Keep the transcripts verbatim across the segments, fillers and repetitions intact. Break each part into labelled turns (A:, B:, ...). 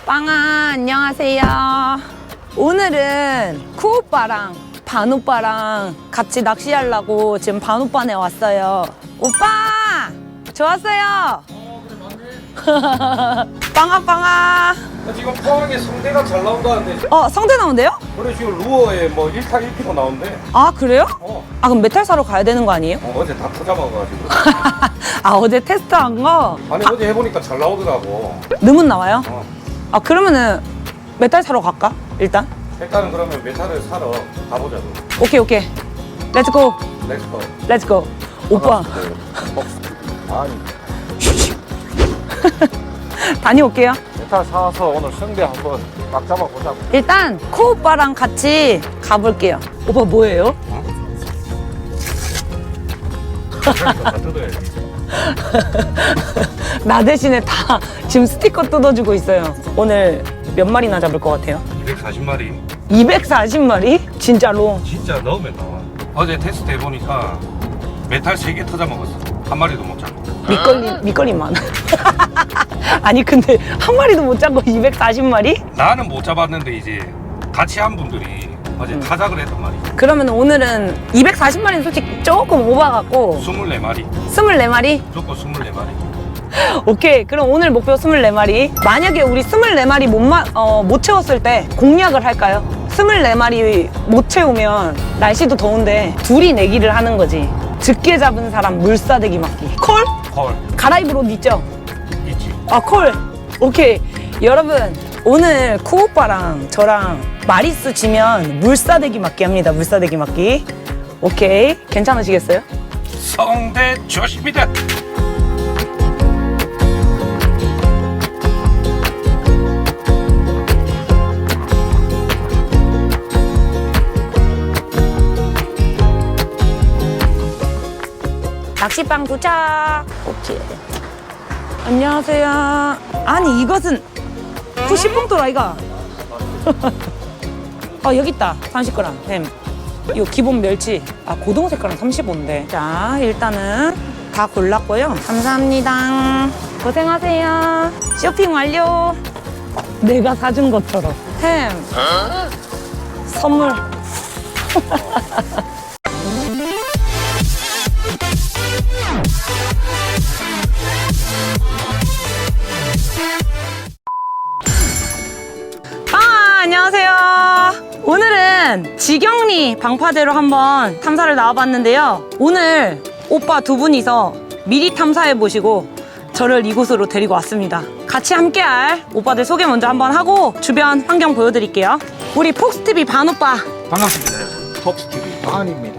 A: 빵아, 안녕하세요. 오늘은 쿠오빠랑 반오빠랑 같이 낚시하려고 지금 반오빠네 왔어요. 오빠! 좋았어요?
B: 어, 그래, 맞네.
A: 빵아, 빵아.
B: 지금 포항에 성대가 잘 나온다는데.
A: 어, 성대 나온대요?
B: 그래, 지금 루어에 뭐 일 타 일 피로 나온대.
A: 아, 그래요?
B: 어.
A: 아, 그럼 메탈 사러 가야 되는 거 아니에요?
B: 어, 어제 다 터잡아가지고.
A: 아, 어제 테스트한 거?
B: 아니, 어제 해보니까 잘 나오더라고.
A: 늠은 나와요?
B: 어.
A: 아, 그러면은 메탈 사러 갈까? 일단?
B: 일단은 그러면 메탈을 사러 가보자고.
A: 오케이, 오케이. 렛츠고.
B: 렛츠고.
A: 렛츠고. 오빠.
B: 아니,
A: 다녀올게요.
B: 메탈 사와서 오늘 성대 한번 딱 잡아보자고.
A: 일단 코오빠랑 같이 가볼게요. 오빠 뭐예요?
B: 다 뜯어야지.
A: 나 대신에 다 지금 스티커 뜯어주고 있어요. 오늘 몇 마리나 잡을 것 같아요?
B: 이백사십 마리.
A: 이백사십 마리? 진짜로?
B: 진짜 넣으면 나와. 어제 테스트 해보니까 메탈 세 개 터져 먹었어. 한 마리도 못 잡고.
A: 밑걸림, 밑걸림 많아. 아니 근데 한 마리도 못 잡고 이백사십 마리?
B: 나는 못 잡았는데 이제 같이 한 분들이 어제 타작을 했단 말이야.
A: 그러면 오늘은 이백사십 마리는 솔직히 조금 오바 같고
B: 스물네 마리.
A: 스물네 마리?
B: 무조건 스물네 마리.
A: 오케이, 그럼 오늘 목표 스물네 마리. 만약에 우리 스물네 마리 못, 마, 어, 못 채웠을 때 공략을 할까요? 스물네 마리 못 채우면 날씨도 더운데 둘이 내기를 하는 거지. 적게 잡은 사람 물사대기 맞기. 콜?
B: 콜.
A: 갈아입을 옷 있죠?
B: 있지.
A: 아, 콜. 오케이. 여러분, 오늘 쿠오빠랑 저랑 마리수 지면 물사대기 맞기 합니다. 물사대기 맞기. 오케이. 괜찮으시겠어요?
B: 성대 조심이다.
A: 낚시방 도착. 오케이. 안녕하세요. 아니 이것은 구십봉돌 아이가. 어 여기 있다. 삼십 그램 햄. 요 기본 멸치. 아 고등어 색깔은 삼십오인데. 자 일단은 다 골랐고요. 감사합니다. 고생하세요. 쇼핑 완료. 내가 사준 것처럼 햄. 선물. 아, 안녕하세요. 오늘은 지경리 방파제로 한번 탐사를 나와봤는데요. 오늘 오빠 두 분이서 미리 탐사해 보시고 저를 이곳으로 데리고 왔습니다. 같이 함께할 오빠들 소개 먼저 한번 하고 주변 환경 보여드릴게요. 우리 폭스티비 반오빠.
B: 반갑습니다. 톱스티비 반입니다.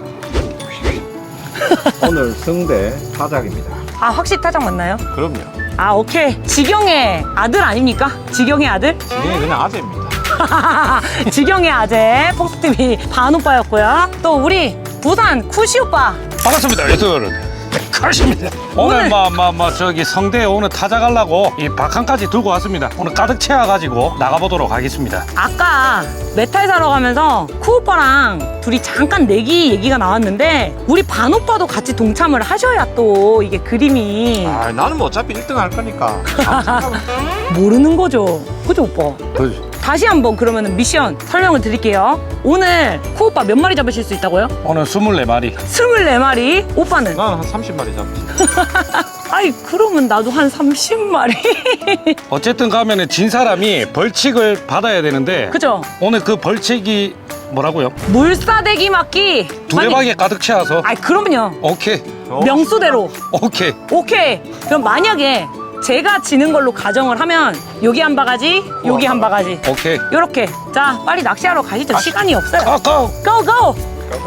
C: 오늘 성대 타작입니다.
A: 아 확실히 타장 맞나요?
C: 그럼요.
A: 아 오케이. 지경의 아들 아닙니까? 지경의 아들?
C: 이게 그냥 아재입니다.
A: 지경의 아재 폭스티비 반오빠였고요. 또 우리 부산 쿠시 오빠.
B: 반갑습니다. 여러분. 가십니다. 오늘
A: 오늘-
B: 뭐 뭐 뭐 저기 성대에 오늘 타작하려고 이 박한까지 들고 왔습니다. 오늘 가득 채워가지고 나가보도록 하겠습니다.
A: 아까 메탈 사러 가면서 쿠오빠랑 둘이 잠깐 내기 얘기가 나왔는데 우리 반오빠도 같이 동참을 하셔야 또 이게 그림이
C: 아, 나는 뭐 어차피 일 등 할 거니까.
A: 모르는 거죠. 그죠 오빠?
B: 그렇지.
A: 다시 한번 그러면 미션 설명을 드릴게요. 오늘 쿠오빠 몇 마리 잡으실 수 있다고요?
B: 오늘 스물네 마리.
A: 스물네 마리. 오빠는?
C: 나는 한 삼십 마리 잡지.
A: 아이 그러면 나도 한 삼십 마리.
B: 어쨌든 가면은 진 사람이 벌칙을 받아야 되는데
A: 그죠?
B: 오늘 그 벌칙이 뭐라고요?
A: 물사대기 맞기.
B: 두레박에 가득 채워서
A: 아이 그럼요.
B: 오케이
A: 명수대로.
B: 오케이
A: 오케이. 그럼 만약에 제가 지는 걸로 가정을 하면 여기 한 바가지, 여기 한 바가지.
B: 오케이
A: 요렇게. 자, 빨리 낚시하러 가시죠. 시간이 없어요.
B: 고고
A: 고! 고!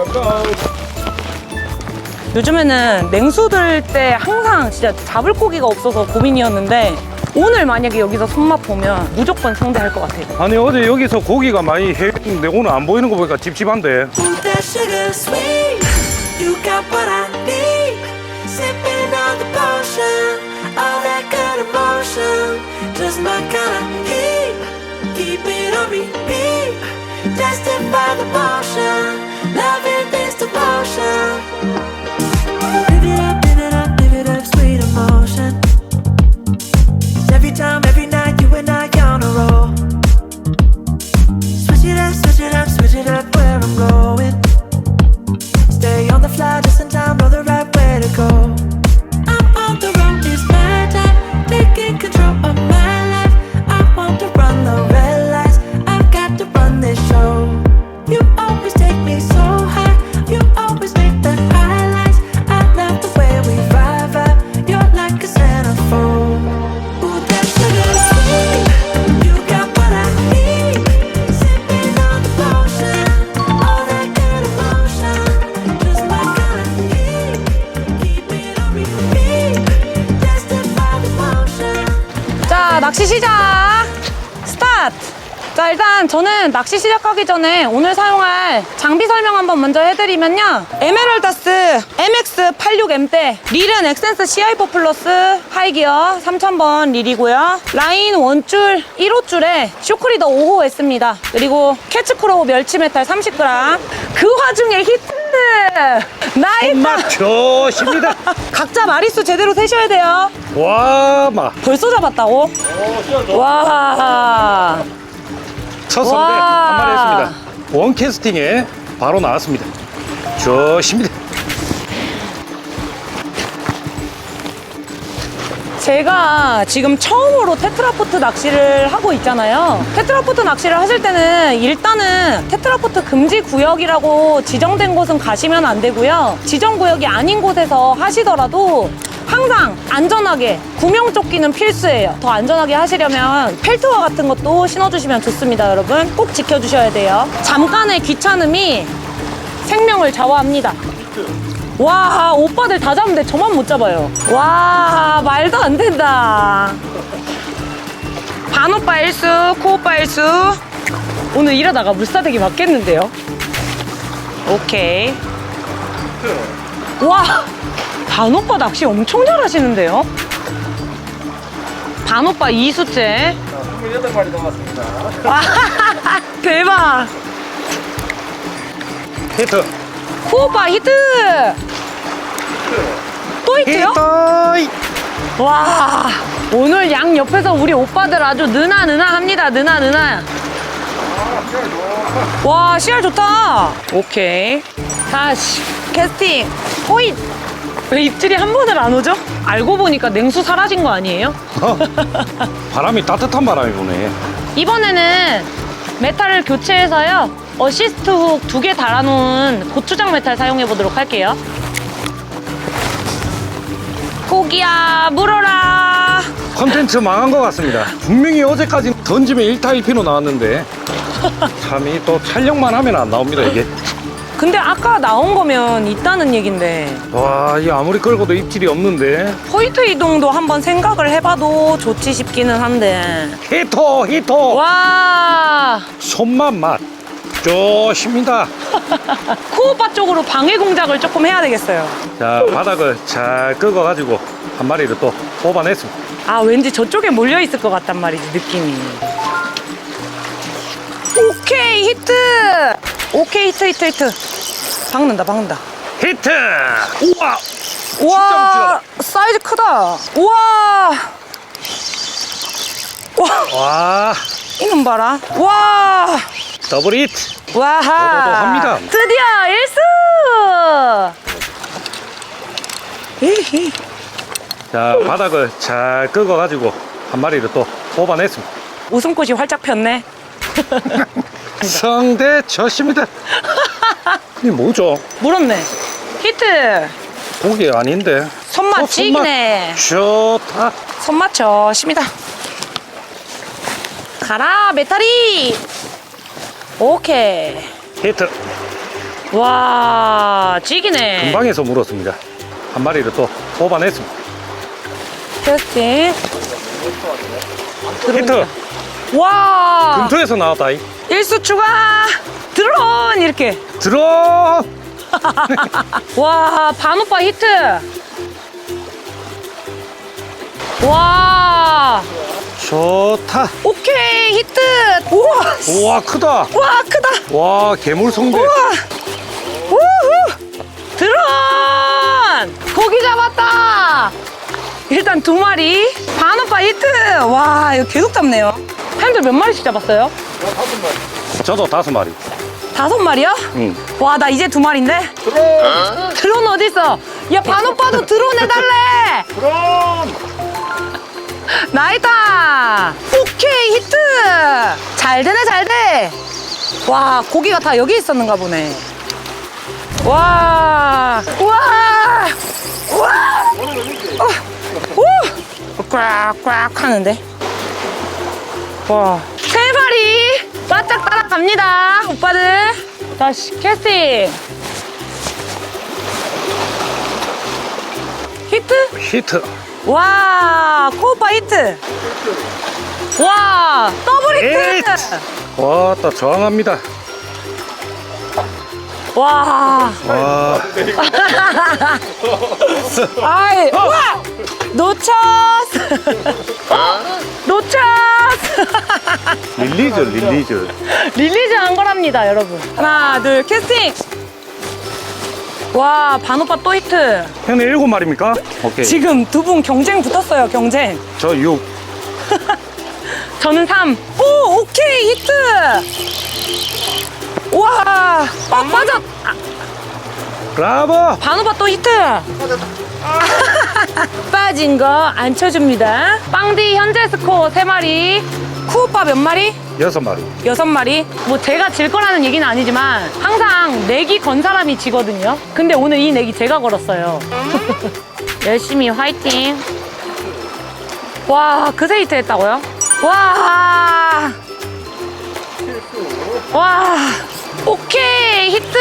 A: 요즘에는 냉수 들 때 항상 진짜 잡을 고기가 없어서 고민이었는데 오늘 만약에 여기서 손맛 보면 무조건 성대할 것 같아요.
B: 아니 어제 여기서 고기가 많이 해있는데 오늘 안 보이는 거 보니까 찝찝한데.
D: That sugar sweet, you got what I need. Sipping on the potion, all that good emotion, just my kind of heat. Keep it on repeat, tested by the motion, loving this devotion. Live it up, live it up, live it up, sweet emotion. Every time, every night, you and I on a roll.
A: 자, 일단 저는 낚시 시작하기 전에 오늘 사용할 장비 설명 한번 먼저 해드리면요. 에메랄다스 엠엑스 팔십육 엠대 릴은 엑센스 씨아이 사 플러스 하이기어 삼천 번 릴이고요. 라인 원줄 일 호줄에 쇼크리더 오 호 S입니다. 그리고 캐치크로우 멸치메탈 삼십 그램. 그 와중에 히트! 나이스!
B: 손맛 좋습니다.
A: 각자 마리수 제대로 세셔야 돼요.
B: 와, 마.
A: 벌써 잡았다고? 와.
B: 첫 선배
A: 와.
B: 한 마리 했습니다. 원 캐스팅에 바로 나왔습니다. 좋습니다.
A: 제가 지금 처음으로 테트라포트 낚시를 하고 있잖아요. 테트라포트 낚시를 하실 때는 일단은 테트라포트 금지 구역이라고 지정된 곳은 가시면 안 되고요. 지정 구역이 아닌 곳에서 하시더라도 항상 안전하게 구명조끼는 필수예요. 더 안전하게 하시려면 펠트와 같은 것도 신어주시면 좋습니다. 여러분 꼭 지켜주셔야 돼요. 잠깐의 귀찮음이 생명을 좌우합니다. 와, 오빠들 다 잡는데 저만 못 잡아요. 와, 말도 안 된다. 반오빠 일수, 코오빠 일수. 오늘 일하다가 물사대기 맞겠는데요? 오케이. 와, 반오빠 낚시 엄청 잘하시는데요? 반오빠 이수째.
C: 스물여덟 마리 남았습니다.
A: 와, 대박.
B: 히트.
A: 코오빠 히트! 또 히트요?
B: 히트.
A: 와, 오늘 양 옆에서 우리 오빠들 아주 느나 느나 합니다. 느나 느나. 와, 씨알 좋다. 오케이. 다시 캐스팅. 호잇. 왜 입질이 한 번을 안 오죠? 알고 보니까 냉수 사라진 거 아니에요?
B: 바람이 따뜻한 바람이 부네.
A: 이번에는 메탈을 교체해서요. 어시스트 훅 두 개 달아놓은 고추장 메탈 사용해 보도록 할게요. 고기야 물어라.
B: 컨텐츠 망한 것 같습니다. 분명히 어제까지 던지면 일 타 일 피로 나왔는데 참이 또 촬영만 하면 안 나옵니다 이게.
A: 근데 아까 나온 거면 있다는 얘긴데
B: 와, 이 아무리 끌고도 입질이 없는데.
A: 포인트 이동도 한번 생각을 해봐도 좋지 싶기는 한데.
B: 히트 히트.
A: 와,
B: 손맛 맛 좋습니다.
A: 코오빠 쪽으로 방해 공작을 조금 해야 되겠어요.
B: 자, 바닥을 잘 긁어가지고 한 마리를 또 뽑아냈습니다.
A: 아, 왠지 저쪽에 몰려 있을 것 같단 말이지, 느낌이. 오케이, 히트! 오케이, 히트, 히트, 히트. 박는다, 박는다.
B: 히트. 우와.
A: 우와, 사이즈 크다. 우와. 와,
B: 와,
A: 이놈 봐라. 와.
B: 더블 히트.
A: 와하.
B: 도도도합니다.
A: 드디어 일수! 에이.
B: 자, 바닥을 잘 긁어가지고 한 마리를 또 뽑아냈습니다.
A: 웃음꽃이 활짝 폈네.
B: 성대 좋습니다. 이 뭐죠?
A: 물었네. 히트.
B: 고기 아닌데.
A: 손맛
B: 어,
A: 찌기네.
B: 좋다.
A: 손맛 좋습니다. 가라, 메타리. 오케이.
B: 히트.
A: 와, 찌기네.
B: 금방에서 물었습니다. 한 마리를 또 뽑아냈습니다.
A: 캐스팅.
B: 히트.
A: 와.
B: 금토에서 나왔다. 이.
A: 일수 추가. 드론 이렇게.
B: 드론.
A: 와, 반오빠 히트. 와.
B: 좋다.
A: 오케이, 히트. 우와.
B: 우와, 크다.
A: 와, 크다.
B: 와, 괴물 성대.
A: 우와. 우후. 드론. 고기 잡았다. 일단 두 마리. 반오빠 히트. 와, 이거 계속 잡네요. 햄들 몇 마리씩 잡았어요?
B: 저도 다섯 마리.
A: 다섯 마리요?
B: 응.
A: 와, 나 이제 두 마리인데? 드론! 드론 어딨어? 야, 반오빠도 드론 해달래!
B: 드론.
A: 나이다! 오케이, 히트! 잘 되네, 잘 돼! 와, 고기가 다 여기 있었는가 보네. 와, 와, 와, 어, 오, 꽉꽉 하는데. 와, 세 마리 바짝 따라갑니다, 오빠들. 다시 캐스팅. 히트?
B: 히트.
A: 와, 코오빠 히트. 와, 더블 히트.
B: 히트. 와따 저항합니다.
A: 와.
B: 와.
A: 아이, 우와! 놓쳤어. 놓쳤어.
B: 릴리즈 릴리즈.
A: 릴리즈 한 거랍니다, 여러분. 하나, 둘, 캐스팅. 와, 반오빠 또 히트.
B: 형님 일곱 마리입니까? 오케이.
A: 지금 두 분 경쟁 붙었어요, 경쟁.
B: 저 육.
A: 저는 삼. 오, 오케이, 히트. 와, 어, 빠졌. 아,
B: 브라보.
A: 반오빠 또 히트. 빠진 거 안 쳐줍니다. 빵디 현재 스코어 세 마리. 쿠오빠 몇 마리?
B: 여섯 마리.
A: 여섯 마리. 뭐 제가 질 거라는 얘기는 아니지만 항상 내기 건 사람이 지거든요. 근데 오늘 이 내기 제가 걸었어요. 열심히 화이팅. 와, 그새 히트 했다고요? 와. 와. 오케이, 히트.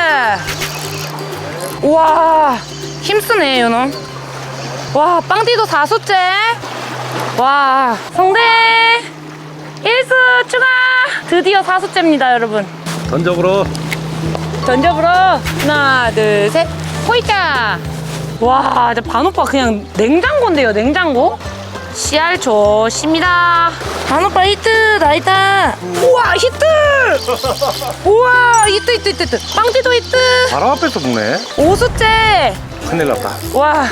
A: 와, 힘쓰네, 요놈. 와, 빵디도 사수째. 와, 성대 일수 추가. 드디어 사수째입니다, 여러분.
B: 던져보러.
A: 던져보러. 하나, 둘, 셋. 호이자. 와, 이제 반오빠 그냥 냉장고인데요, 냉장고. 씨알 좋습니다. 반오빠 히트, 나이다. 우와, 히트. 우와, 히트, 히트, 히트, 히트. 빵디도 히트.
B: 바로 앞에서 보네.
A: 오수째.
B: 큰일 났다.
A: 와.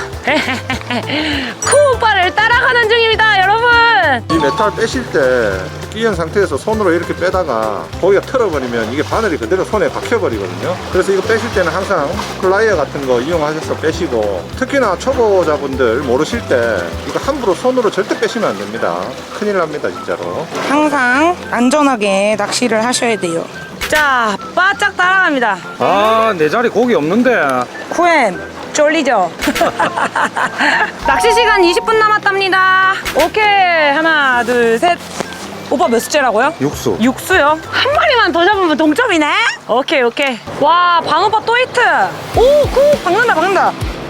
A: 쿠오빠를 따라가는 중입니다, 여러분.
E: 이 메탈 빼실 때 끼인 상태에서 손으로 이렇게 빼다가 고기가 틀어버리면 이게 바늘이 그대로 손에 박혀버리거든요. 그래서 이거 빼실 때는 항상 플라이어 같은 거 이용하셔서 빼시고, 특히나 초보자분들 모르실 때 이거 함부로 손으로 절대 빼시면 안 됩니다. 큰일 납니다, 진짜로.
F: 항상 안전하게 낚시를 하셔야 돼요.
A: 자, 바짝 따라갑니다.
B: 아, 내 자리 고기 없는데.
A: 쿠엠, 쫄리죠? 낚시 시간 이십 분 남았답니다. 오케이, 하나, 둘, 셋. 오빠 몇 수째라고요?
B: 육수.
A: 육수요? 한 마리만 더 잡으면 동점이네? 오케이, 오케이. 와, 반오빠 또 히트. 오, 구, 박는다, 박는다.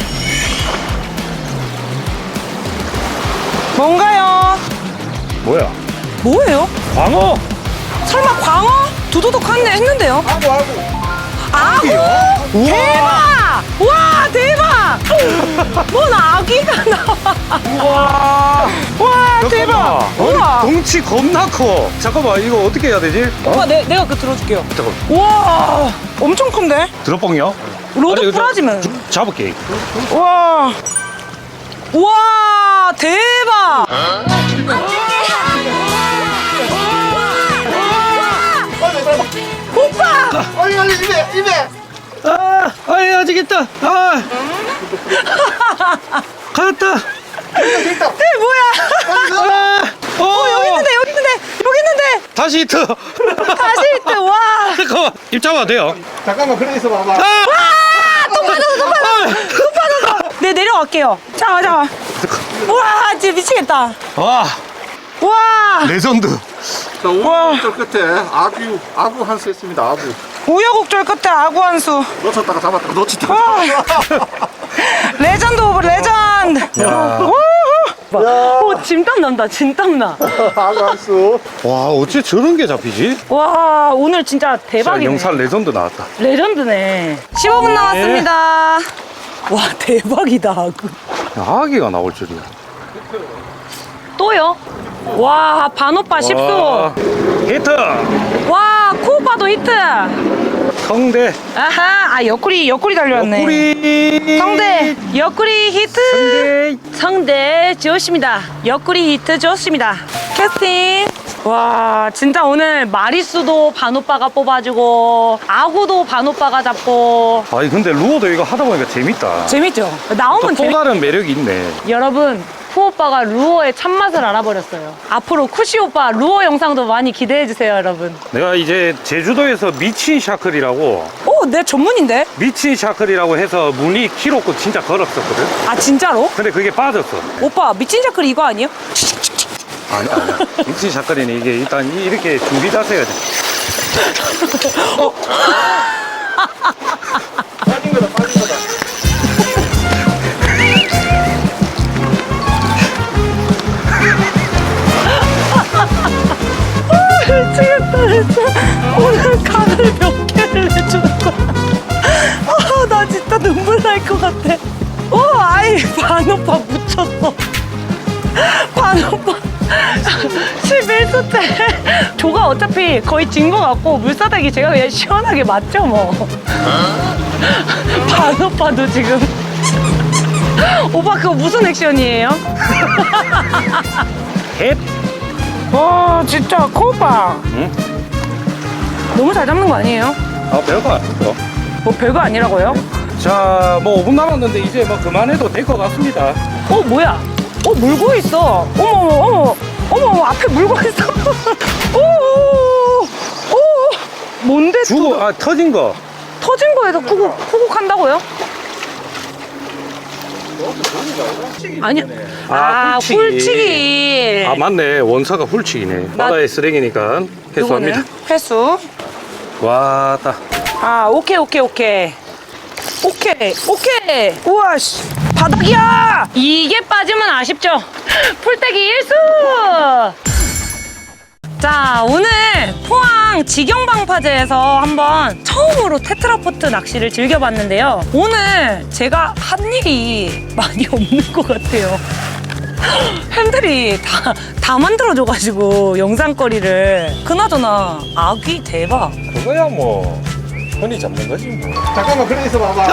F: 뭔가요?
B: 뭐야?
A: 뭐예요?
B: 광어.
A: 설마 광어? 두두둑 하네 했는데요?
E: 아구 아구.
A: 아구! 대박! 와, 대박! 뭔 아기가 나와.
B: 우와.
A: 와, 대박!
B: 잠깐만.
A: 우와!
B: 덩치 겁나 커. 잠깐만, 이거 어떻게 해야 되지? 어?
A: 오빠, 내, 내가 그 들어줄게요.
B: 잠깐만.
A: 와,
F: 엄청 큰데?
B: 드롭봉이요?
A: 로드
B: 아니, 이거
A: 부러지면.
B: 잡을게.
F: 와,
A: 와, 대박! 오빠!
E: 아니 아니 입에 입에.
B: 아, 아이, 아직 있다. 아. 갔다.
A: 이 뭐야?
B: 아. 어,
A: 여기 있는데, 여기 있는데, 여기 있는데!
B: 다시 히트.
A: 다시 히트, 와!
B: 잠깐만, 입 잡아도 돼요.
E: 잠깐만 그래 있어 봐봐.
B: 아.
A: 또 빠졌어, 또 빠졌어! 또 빠졌어! 네, 내려갈게요. 잠깐만, 잠깐만. 와, 진짜 미치겠다.
B: 와,
A: 와!
B: 레전드.
E: 자, 오른쪽 끝에 아구 아구 한 수 했습니다. 아구.
F: 우여곡절 끝에 아구 한 수.
E: 놓쳤다가 잡았다가 놓쳤다가.
F: 와,
E: 잡았다가.
F: 레전드 오브 레전드.
B: 야.
A: 오, 진땀 난다, 진땀 나.
E: 아구 한 수.
B: 와, 어째 저런 게 잡히지?
A: 와, 오늘 진짜
B: 자,
A: 대박이네.
B: 영상 레전드 나왔다.
A: 레전드네. 십오 분 남았습니다. 와, 대박이다, 아구.
B: 아기가 나올 줄이야.
A: 또요? 와, 반오빠 십 수.
B: 와, 히트.
A: 와, 쿠오빠도 히트.
B: 성대.
A: 아하, 아, 옆구리, 옆구리 달려왔네.
B: 옆구리.
A: 성대, 옆구리 히트.
B: 성대.
A: 성대 좋습니다. 옆구리 히트 좋습니다. 캐스팅. 와, 진짜 오늘 마리수도 반오빠가 뽑아주고 아구도 반오빠가 잡고.
B: 아니, 근데 루어도 이거 하다 보니까 재밌다.
A: 재밌죠?
B: 또,
A: 나오면
B: 또
A: 재밌...
B: 다른 매력이 있네.
A: 여러분, 쿠오빠가 루어의 참맛을 알아버렸어요. 앞으로 쿠시 오빠 루어 영상도 많이 기대해주세요, 여러분.
B: 내가 이제 제주도에서 미친 샤클이라고,
A: 오, 내 전문인데?
B: 미친 샤클이라고 해서 문이 키로고 진짜 걸었었거든.
A: 아, 진짜로?
B: 근데 그게 빠졌어.
A: 오빠, 미친 자클 이거 아니에요?
B: 아니, 아니. 미친 샤클이는 이게 일단 이렇게 준비 자세가 돼.
E: 빠진 거다 빠진 거다.
A: 미치겠다. 오늘 각을 몇 개를 내주는 거야? 아, 나 진짜 눈물 날 것 같아. 오, 아이, 반오빠 묻혔어. 반오빠. 십일 수째. 조가 어차피 거의 진 거 같고, 물사대기 제가 그냥 시원하게 맞죠, 뭐. 반오빠도 지금. 오빠, 그거 무슨 액션이에요?
B: 헷.
F: 와 진짜 코오빠.
B: 응?
A: 너무 잘 잡는 거 아니에요?
B: 아, 별거 아니죠.
A: 뭐 별거 아니라고요?
B: 자, 뭐 오 분 남았는데 이제 뭐 그만해도 될 것 같습니다.
A: 어, 뭐야? 어, 물고 있어. 어머, 어머, 어머, 어머, 어머, 앞에 물고 있어. 오, 오, 오, 뭔데?
B: 주고, 아, 터진 거.
A: 터진 거에서 쿠국, 쿠국 한다고요? 아니요.
B: 아,
A: 아,
B: 훌치기.
A: 훌치기.
B: 아, 맞네. 원사가 훌치기네. 바다의 쓰레기니까 해소합니다.
A: 누구는? 회수.
B: 와, 따.
A: 아, 오케이, 오케이, 오케이. 오케이, 오케이. 우와, 씨. 바닥이야! 이게 빠지면 아쉽죠? 풀떼기 일수! 자, 오늘 포항 직영방파제에서 한번 처음으로 테트라포트 낚시를 즐겨봤는데요. 오늘 제가 한 일이 많이 없는 것 같아요. 팬들이 다, 다 만들어줘가지고 영상거리를. 그나저나 아귀 대박.
E: 그거야 뭐 흔히 잡는 거지 뭐. 잠깐만 그래 있어 봐봐.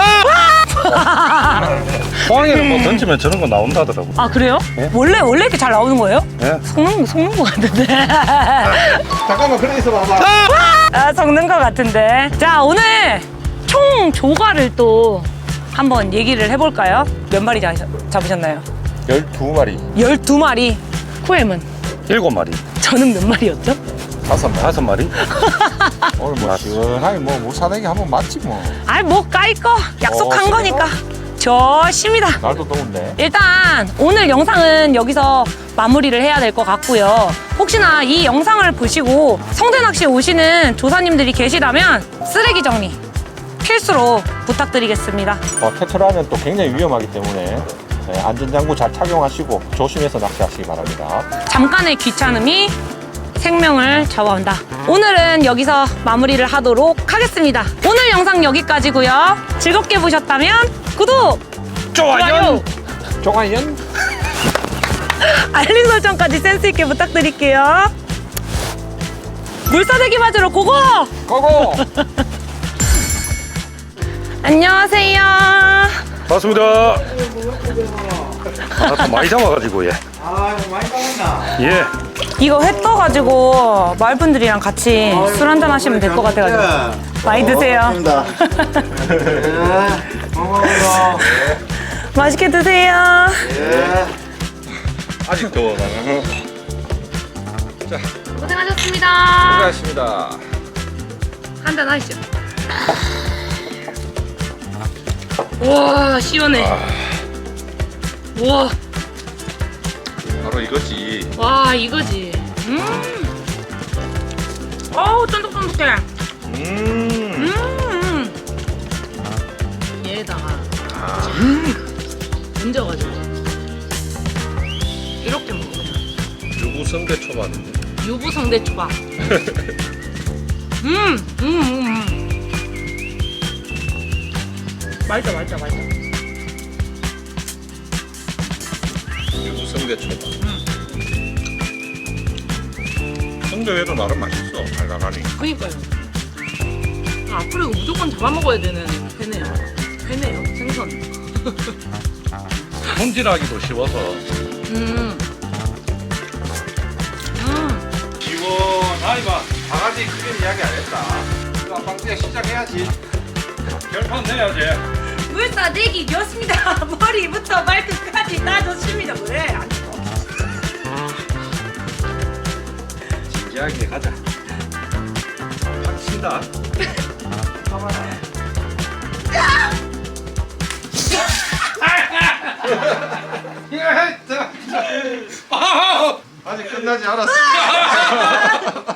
B: 포항에는 뭐 던지면 저런 거 나온다더라고.
A: 아, 그래요?
B: 예?
A: 원래 원래 이렇게 잘 나오는 거예요?
B: 예?
A: 속는, 속는 것 같은데.
E: 잠깐만 그래 있어 봐봐.
A: 아, 속는 것 같은데. 자, 오늘 총 조과를 또 한번 얘기를 해볼까요? 몇 마리 잡- 잡으셨나요?
E: 열두 마리.
A: 열두 마리. 쿠엠은?
B: 일곱 마리.
A: 저는 몇 마리였죠?
E: 다섯 마리.
B: 다섯 마리.
E: 오늘 뭐 시원하게 뭐 무사대기 한번 맞지 뭐.
A: 아이, 뭐 까이 거 약속한
E: 어,
A: 거니까. 좋습니다.
E: 날도 더운데.
A: 일단 오늘 영상은 여기서 마무리를 해야 될 것 같고요. 혹시나 이 영상을 보시고 성대낚시 오시는 조사님들이 계시다면 쓰레기 정리 필수로 부탁드리겠습니다.
E: 어, 테트라는 또 굉장히 위험하기 때문에 네, 안전장구 잘 착용하시고 조심해서 낚시하시기 바랍니다.
A: 잠깐의 귀찮음이 생명을 잡아온다. 오늘은 여기서 마무리를 하도록 하겠습니다. 오늘 영상 여기까지고요. 즐겁게 보셨다면 구독, 좋아요,
E: 종아연.
A: 알림 설정까지 센스 있게 부탁드릴게요. 물사대기 맞으러 고고!
E: 고고.
A: 안녕하세요.
B: 반갑습니다. 아, 또 많이 잡아가지고, 예.
C: 아, 많이 따왔나?
B: 예.
A: 이거 회 떠가지고 마을분들이랑 같이 술 한잔 하시면 될 것 같아가지고 많이 드세요.
C: 고마워요.
A: 맛있게 드세요.
E: 아직도 나는.
A: 고생하셨습니다.
E: 수고하셨습니다.
A: 한잔 하시죠. 와, 시원해. 와,
E: 바로 이거지.
A: 와, 이거지. 음. 어우, 쫀득쫀득해.
E: 음.
A: 음. 얘에다가 음. 얹어가지고 이렇게 먹으면
E: 유부성대 초밥인데.
A: 유부성대 초밥. 음, 음, 음, 음. 맛있다, 맛있다, 맛있다.
E: 유부성대 초밥. 성대회도 나름 맛있어. 달달하니.
A: 그니까요. 아, 앞으로 이거 무조건 잡아먹어야 되는 회네요. 회네요, 생선.
B: 손질하기도 쉬워서.
A: 음. 음.
E: 시원하니 봐. 바가지 크게 이야기 안 했다. 그럼 빵띠야 시작해야지.
B: 결판 내야지.
A: 물사대기 좋습니다. 머리부터 발끝까지 다 좋습니다. 왜? 안 좋아.
B: 진지하게 가자. 확 친다.
E: 아직 끝나지 않았습니다.